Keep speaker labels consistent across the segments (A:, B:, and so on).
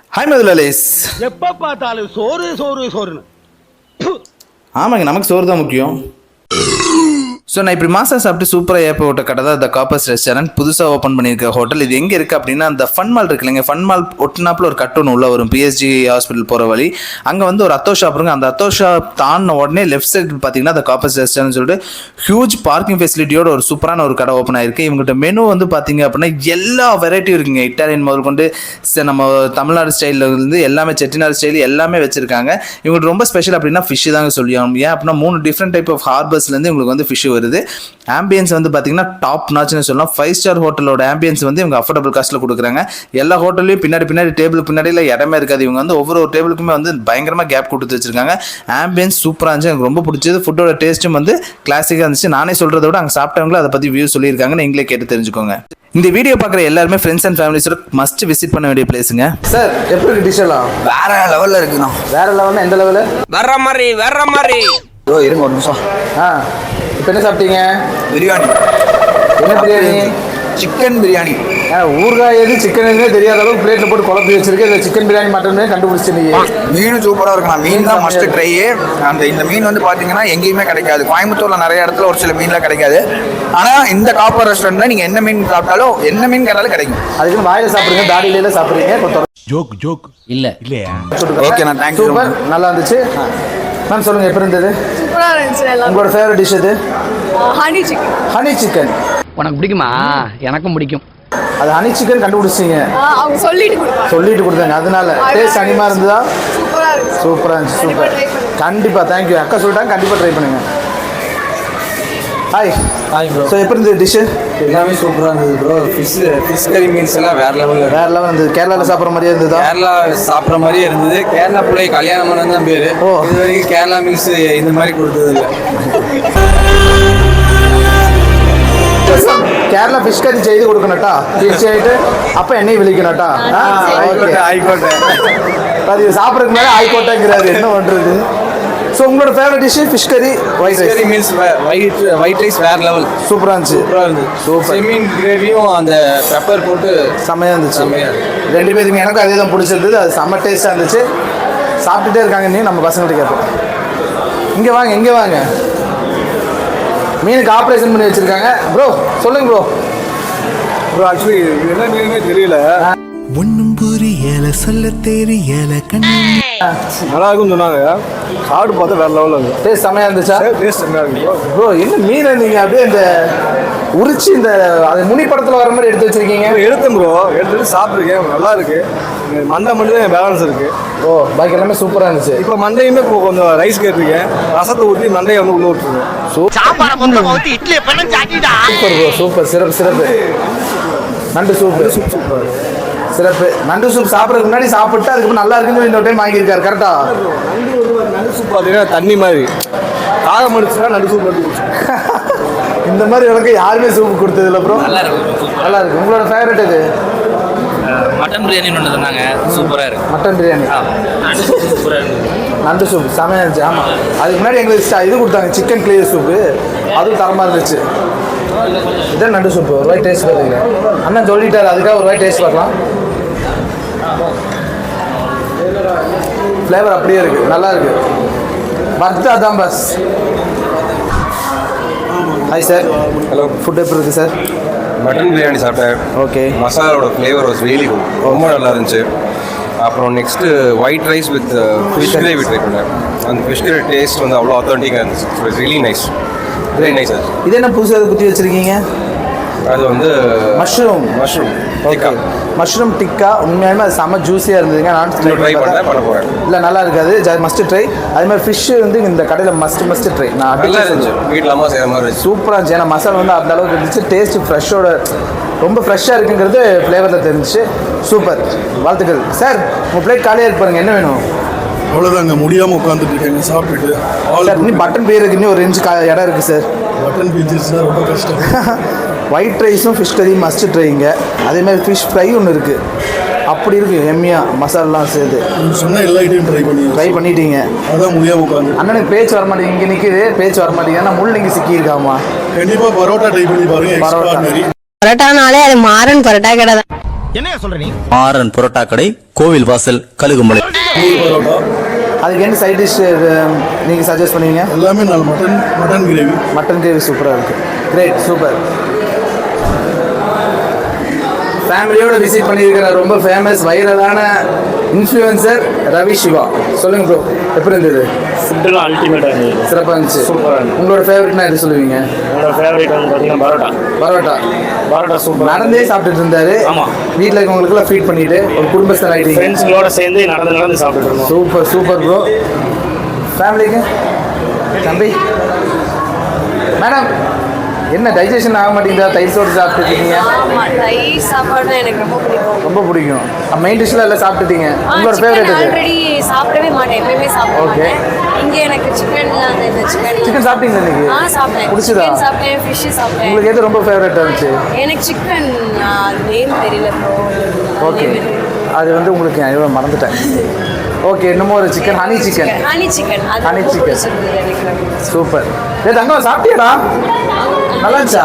A: Hi மதுலாலேஸ்.
B: எப்ப பார்த்தாலும் சோறு சோறு சோறுன்னு.
A: ஆமாங்க, நமக்கு சோறு தான் முக்கியம். ஸோ நான் இப்படி மாசா சாப்பிட்டு சூப்பராக ஏப்ப விட்ட கடை தான் த காப்பர்ஸ் ரெஸ்டாரண்ட். புதுசாக ஓப்பன் பண்ணியிருக்க ஹோட்டல். இது எங்கே இருக்குது அப்படின்னா அந்த ஃபன் மால் இருக்கு இல்லைங்க, ஃபன் மால் ஒட்டினாப்பில் ஒரு கட் ஒன்று உள்ளே வரும், பிஎஸ்ஜி ஹாஸ்பிட்டல் போகிற வழி. அங்கே வந்து ஒரு அத்தோ ஷாப் இருக்குங்க. அந்த அத்தோ ஷாப் தாண்டின உடனே லெஃப்ட் சைடு பார்த்தீங்கன்னா த காப்பர்ஸ் ரெஸ்டாரண்ட் சொல்லிட்டு ஹியூஜ் பார்க்கிங் ஃபெசிலிட்டியோட ஒரு சூப்பரான ஒரு கடை ஓப்பன் ஆயிருக்கு. இவங்ககிட்ட மெனு வந்து பார்த்தீங்க அப்படின்னா எல்லா வெரைட்டியும் இருக்குங்க. இட்டாலியன் முதல் கொண்டு நம்ம தமிழ்நாடு ஸ்டைலில் இருந்து எல்லாமே செட்டிநாடு ஸ்டைல் எல்லாமே வச்சிருக்காங்க. இவங்களுக்கு ரொம்ப ஸ்பெஷல் அப்படின்னா ஃபிஷ் தாங்க சொல்லியாகும். ஏன் அப்படின்னா 3 டிஃப்ரெண்ட் டைப் ஆஃப் ஹார்பர்ஸ்லேருந்து உங்களுக்கு வந்து ஃபிஷ் வருது. ஆம்பியன்ஸ் வந்து பார்த்தீங்கன்னா டாப் நாச்னு சொல்லலாம். 5 ஸ்டார் ஹோட்டலோட ஆம்பியன்ஸ் வந்து இவங்க அஃபோர்டபுள் காஸ்ட்டில் கொடுக்குறாங்க. எல்லா ஹோட்டல்லையும் பின்னாடி டேபிளுக்கு பின்னாடியில் இடமே இருக்காது. இவங்க வந்து ஒவ்வொரு டேபிளுக்குமே வந்து பயங்கரமாக கேப் கொடுத்து வச்சிருக்காங்க. ஆம்பியன்ஸ் சூப்பராக இருந்துச்சு, எனக்கு ரொம்ப பிடிச்சது. ஃபுட்டோட டேஸ்ட்டும் வந்து கிளாசிக்காக இருந்துச்சு. நானே சொல்கிறத விட அங்கே சாப்பிட்டவங்களும் அதை பற்றி வியூ சொல்லியிருக்காங்க. நீங்களே கேட்டு தெரிஞ்சுக்கோங்க. இந்த வீடியோ பார்க்குற எல்லாருமே ஃப்ரெண்ட்ஸ் அண்ட் ஃபேமிலிஸோட மஸ்ட் விசிட் பண்ண வேண்டிய பிளேஸுங்க. சார் எப்படி இருக்கு டிஷ் எல்லாம்?
C: வேற லெவலில் இருக்குண்ணா.
A: வேற லெவல்னா எந்த லெவலு?
C: வேற மாதிரி இருங்க ஒரு நிமிஷம்.
A: இப்போ என்ன சாப்பிட்டீங்க?
C: பிரியாணி.
A: என்ன பிரியாணி?
C: சிக்கன் பிரியாணி.
A: ஊறுகாய் எது சிக்கன் எதுனே தெரியாத அளவுக்கு பிளேட்டில் போட்டு குழம்பு வச்சிருக்கு. இதில் சிக்கன் பிரியாணி மட்டுமே கண்டுபிடிச்சிருந்தீங்க.
C: மீன் சூப்பராக இருக்குண்ணா. மீன் தான் மஸ்ட் ட்ரை. இந்த மீன் வந்து பார்த்தீங்கன்னா எங்கேயுமே கிடைக்காது. கோயம்புத்தூரில் நிறைய இடத்துல ஒரு சில மீன்லாம் கிடைக்காது. ஆனால் இந்த காப்பர் ரெஸ்டாரண்ட்டில் நீங்கள் என்ன மீன் சாப்பிட்டாலும் என்ன மீன் கேட்டாலும் கிடைக்கும்.
A: அதுக்கு வாயில் சாப்பிடுங்க, தாடியில சாப்பிடுறீங்க.
D: ஜோக் இல்லையா?
C: ஓகே நான் தேங்க்யூ.
A: சூப்பர், நல்லா இருந்துச்சு. மேம் சொல்லுங்க, எப்படி இருந்தது?
E: சூப்பராக இருந்துச்சு.
A: உங்களோட ஃபேவரட் டிஷ் எது?
E: Honey chicken.
A: ஹனி சிக்கன்
F: உனக்கு பிடிக்குமா? எனக்கும் பிடிக்கும்.
A: அது ஹனி சிக்கன் கண்டுபிடிச்சிங்க.
E: அவங்க
A: சொல்லிட்டு கொடுத்தாங்க. அதனால டேஸ்ட் அனிமா இருந்ததா?
E: சூப்பராக
A: சூப்பராக இருந்துச்சு.
E: இருந்துச்சு.
A: சூப்பர், கண்டிப்பாக தேங்க்யூ. அக்கா சொல்லிட்டாங்க, கண்டிப்பாக ட்ரை பண்ணுங்க. Hi bro. ஸோ எப்படி இருந்தது டிஷ்ஷு?
G: எல்லாமே சூப்பராக இருந்தது ப்ரோ. ஃபிஷ் கறி மீன்ஸ் எல்லாம் வேற லெவலில்
A: இருந்தது. கேரளாவில் சாப்பிட்ற மாதிரியே இருந்ததா?
G: கேரளா சாப்பிட்ற மாதிரியே இருந்தது. கேரளா பிள்ளை கல்யாணம் பண்ண தான் பேர்.
A: ஓ,
G: இது வரைக்கும் கேரளா மீல்ஸ் இந்த மாதிரி கொடுத்தது இல்லை.
A: கேரளா ஃபிஷ் கறி செய்து கொடுக்கணட்டா? ஃபிஷ் ஆகிட்டு அப்போ எண்ணெய் விழிக்கணட்டா?
G: ஆயிக்கோட்டை
A: அது சாப்பிட்றதுக்கு மேலே ஆயிக்கோட்டைங்கிறாரு, என்ன பண்ணுறது? ஸோ உங்களோட favourite dish fish curry, white rice.
G: Meals white rice வேற லெவல்.
A: சூப்பராக இருந்துச்சு. சூப்பர்.
G: செமீன் கிரேவியும் அந்த பெப்பர் போட்டு
A: செம்மையாக இருந்துச்சு.
G: செம்மையாக.
A: ரெண்டு பேருக்குமே எனக்கும் அதே தான் பிடிச்சிருந்தது. அது செம்ம டேஸ்ட்டாக இருந்துச்சு. சாப்பிட்டுட்டே இருக்காங்க. நீ நம்ம பசங்கள்ட்ட கேட்போம். இங்கே வாங்க. மீனுக்கு ஆப்ரேஷன் பண்ணி வச்சுருக்காங்க. ப்ரோ சொல்லுங்க ப்ரோ.
G: ஆக்சுவலி என்ன மீனுமே தெரியல.
D: ஒன்னும் புரியல, சொல்ல தெரியல.
G: நல்லா இருக்குன்னு சொன்னாங்க. சாப்பிட்டு பார்த்தா வேற லெவலில் இருக்கு.
A: டேஸ்ட் செம்மையாக இருந்துச்சா?
G: டேஸ்ட் செம்மையாக இருக்கு
A: ப்ரோ. என்ன மீனை நீங்கள் அப்படியே இந்த உரிச்சு இந்த அது முனி படத்தில் வர மாதிரி எடுத்து வச்சிருக்கீங்க?
G: எடுத்தேன் ப்ரோ. எடுத்துட்டு சாப்பிட்ருக்கேன். நல்லா இருக்கு. மண்டை மட்டும் தான் பேலன்ஸ் இருக்கு.
A: ஓ, பாக்கி எல்லாமே சூப்பராக இருந்துச்சு.
G: இப்போ மண்டையுமே இப்போ கொஞ்சம் ரைஸ் கேட்டிருக்கேன். ரசத்தை ஊற்றி மண்டையை வந்து உள்ள விட்டுருக்கேன்.
A: Super bro, super. சிறப்பு. நண்டு சூப்பு சிறப்பு. நண்டு சூப் சாப்பிட்றதுக்கு முன்னாடி சாப்பிட்டு அதுக்கப்புறம் நல்லா இருக்குன்னு இந்த டைம் வாங்கியிருக்காரு. கரெக்டா?
G: நண்டு சூப் பார்த்தீங்கன்னா தண்ணி மாதிரி காகம் அடிச்சுன்னா நண்டு சூப் மட்டும்
A: இந்த மாதிரி எனக்கு யாருமே சூப் கொடுத்ததில்ல ப்ரோ. நல்லா இருக்கு. உங்களோட ஃபேவரட் எது?
F: மட்டன் பிரியாணி ஒன்று சொன்னாங்க, சூப்பராக இருக்கு.
A: மட்டன் பிரியாணி,
F: சூப்பராக இருக்கு.
A: நண்டு சூப் செமையாக இருந்துச்சு. ஆமாம், அதுக்கு முன்னாடி எங்களுக்கு இது கொடுத்தாங்க, சிக்கன் கிளியர் சூப்பு. அதுவும் தரமாக இருந்துச்சு. இதான் நண்டு சூப்பு. ஒரு வாய் டேஸ்ட் பார்த்துங்க. அண்ணன் சொல்லிட்டாரு, அதுக்காக ஒரு வாய் டேஸ்ட் பார்க்கலாம். ஃப்ளேவர் அப்படியே இருக்குது, நல்லா இருக்குது. பர்த்தா தான் பஸ். Hi sir.
G: ஹலோ.
A: ஃபுட் எப்படி இருக்குது சார்?
H: மட்டன் பிரியாணி சாப்பிட்டேன்.
A: ஓகே.
H: மசாலாவோட ஃப்ளேவர் வாஸ் ரியலி குட். ரொம்ப நல்லா இருந்துச்சு. அப்புறம் next white rice with fish gravy try பண்ணேன். அந்த ஃபிஷ் கிரேவி டேஸ்ட் வந்து அவ்வளோ ஆத்தென்டிக்காக இருந்துச்சு. It's really nice. Very nice sir.
A: இது என்ன புதுசாக அதை குத்தி வச்சுருக்கீங்க?
H: அது வந்து
A: மஷ்ரூம்.
H: டிக்கா.
A: மஷ்ரூம் டிக்கா உண்மையாலுமே அது செம்ம ஜூஸியாக இருந்ததுங்க. நான்
H: ட்ரை பண்ண போகிறேன்.
A: இல்லை, நல்லா இருக்காது. Must try. அதே மாதிரி ஃபிஷ்ஷு வந்து இந்த கடையில் மஸ்ட் ட்ரை. நான்
H: நல்லா இருந்துச்சு. வீட்டில் அம்மா செய்கிற மாதிரி இருந்துச்சு.
A: சூப்பராக இருந்துச்சு. ஏன்னா மசாலா வந்து அந்த அளவுக்கு இருந்துச்சு. டேஸ்ட்டு ஃப்ரெஷ்ஷோட ரொம்ப ஃப்ரெஷ்ஷாக இருக்குங்கிறது ஃப்ளேவரில் தெரிஞ்சிச்சு. சூப்பர், வாழ்த்துக்கள் சார். உங்கள் பிளேட் காலியாக இருக்கு பாருங்க. என்ன வேணும்?
I: அவ்வளோதாங்க, முடியாமல் உட்காந்துட்டு இருக்கேங்க சாப்பிட்டுட்டு.
A: சார் இன்னும் பட்டன் பிரியாணிக்கு இன்னும் ஒரு 2 இடம் இருக்குது சார்.
I: பட்டன் பீச்சஸ்னால் ரொம்ப கஷ்டம்.
A: ஒயிட் ரைஸும் ஃபிஷ் கறியும் மஸ்ட் ட்ரைங்க. அதேமாதிரி ஃபிஷ் ஃப்ரை ஒன்று இருக்குது. அப்படி இருக்குது எம்மியாக மசாலாலாம் சேர்த்து.
I: சொன்னால் எல்லா ஐட்டையும் ட்ரை பண்ணிட்டீங்க. அதான் முடியாமல் உட்காந்து.
A: அண்ணனுக்கு பேச்சு வர மாட்டேங்குது. இங்கே நிற்கிது, பேச்சு வர மாட்டேங்குது. ஏன்னா முள் இங்கே சிக்கியிருக்காமா.
I: கண்டிப்பாக பரோட்டா ட்ரை பண்ணி பாருங்க.
A: பரோட்டா
E: பரோட்டானாலே அது மாறன் பரோட்டா கடை தான்.
B: என்னையா சொல்ற நீ?
J: மாறன் புரோட்டா கடை, கோவில் வாசல், கழுகுமலை.
A: அதுக்கு என்ன சைட் டிஷ் நீங்கள் சஜஸ்ட் பண்ணுவீங்க?
I: எல்லாமே நல்ல மட்டன் கிரேவி.
A: மட்டன் கிரேவி சூப்பராக இருக்குது. Great, super. ஃபேமிலியோட விசிட் பண்ணியிருக்கிற ரொம்ப ஃபேமஸ் வைரலான இன்ஃப்ளூயன்சர் ரவி சிவா. சொல்லுங்க ப்ரோ, எப்படி இருந்தது?
G: ஃபுட்டுலாம் அல்டிமேட்டாக இருந்தது.
A: சிறப்பாக இருந்துச்சு.
G: சூப்பராக இருந்தது.
A: உங்களோட ஃபேவரட்னா எது சொல்லுவீங்க?
G: என்னோட ஃபேவரட் வந்து பார்த்தீங்கன்னா பரோட்டா.
A: பரோட்டா
G: சூப்பர்.
A: நடந்தே சாப்பிட்டுட்டு இருந்தாரு.
G: ஆமாம்.
A: வீட்டில் இருக்கவங்களுக்குலாம் ஃபீட் பண்ணிட்டு ஒரு குடும்பஸ்தர் ஆகிட்டீங்க.
G: ஃப்ரெண்ட்ஸுங்களோட சேர்ந்து நடந்து சாப்பிட்டுட்டு இருந்தோம்.
A: Super super bro. ஃபேமிலிக்கு தம்பி மேடம் என்ன டைஜஷன் ஆக மாட்டேங்குதா? தயிர் சோறு சாப்பிட்டுருக்கீங்க.
E: ஆமா, தயிர் சாப்பாடு எனக்கு ரொம்ப பிடிக்கும்.
A: ரொம்ப பிடிக்கும். மெயின் டிஷ்ல எல்லாம் சாப்பிட்டுட்டீங்க. உங்களோட ஃபேவரட் எது?
E: ஆல்ரெடி சாப்பிடவே மாட்டேன், எப்பயுமே சாப்பிட
A: Okay.
E: மாட்டேன். இங்க எனக்கு சிக்கன்ல அந்த இந்த
A: சிக்கன் சாப்பிட்டீங்களா இன்னைக்கு?
E: சாப்பிட்டேன்.
A: பிடிச்சதா?
E: சிக்கன் சாப்பிட்டேன், ஃபிஷ் சாப்பிட்டேன்.
A: உங்களுக்கு எது ரொம்ப ஃபேவரட்டாக இருந்துச்சு?
E: எனக்கு சிக்கன் அது நேம் தெரியல ப்ரோ.
A: ஓகே, அது வந்து உங்களுக்கு நான் மறந்துட்டேன். ஓகே, இன்னமும் ஒரு chicken honey chicken.
E: Honey chicken அது
A: Honey
E: ரொம்ப
A: chicken.
E: பிடிச்சிருந்தது எனக்கு.
A: சூப்பர். ஏ தங்கம் சாப்பிட்டியாடா? நல்லா இருந்துச்சா?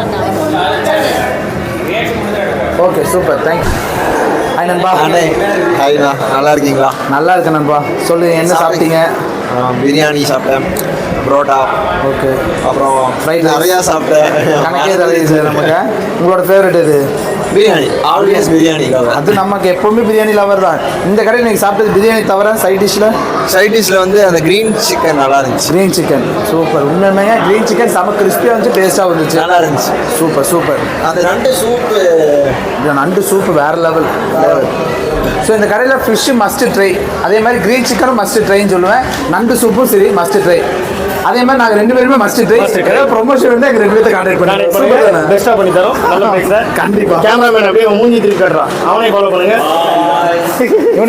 A: Okay super, thank you. ஹாய் நண்பா.
C: ஹாய்ண்ணா, நல்லா இருக்கீங்களா?
A: நல்லா இருக்கேன் நண்பா. சொல்லுங்க, என்ன சாப்பிட்டீங்க?
C: பிரியாணி சாப்பிட்டேன், புரோட்டா,
A: ஓகே,
C: அப்புறம்
A: Fried rice.
C: நிறையா சாப்பிட்டேன்.
A: கணக்கே தலையுது நமக்கு. உங்களோட ஃபேவரட் எது?
C: பிரியாணி, ஆல்வேஸ் பிரியாணி.
A: அது நமக்கு எப்பவுமே பிரியாணி லவர் தான். இந்த கடையில் நீங்கள் சாப்பிட்டது பிரியாணி தவிர சைட் டிஷ்ல?
C: சைட் டிஷ்ல வந்து அந்த கிரீன் சிக்கன் நல்லா இருந்துச்சு.
A: Green chicken super. உண்மையாக கிரீன் சிக்கன் செம கிறிஸ்பியாக வந்து டேஸ்ட்டாக வந்துச்சு.
C: நல்லா இருந்துச்சு.
A: Super super.
C: அந்த நண்டு சூப்பு,
A: இந்த நண்டு சூப்பு வேறு லெவல். ஸோ இந்த கடையில் ஃபிஷ்ஷு மஸ்ட் ட்ரை, அதே மாதிரி க்ரீன் சிக்கனும் மஸ்ட் ட்ரைன்னு சொல்லுவேன். நண்டு சூப்பும் சரி மஸ்ட் ட்ரை. அதே மாதிரி நாங்கள் 2 பேருமே மஸ்ட் ட்ரை. ஏதாவது ப்ரொமோஷன் வந்து எங்கள் 2 பேர்த்த கான்டாக்ட் பண்ணுறேன்.
G: பெஸ்ட்டாக பண்ணி தரோம். நல்ல பிளேஸ்.
A: கண்டிப்பாக.
G: கேமராமேன் அப்படியே மூஞ்சி திருப்பி கட்டுறான், அவனே ஃபாலோ பண்ணுங்க.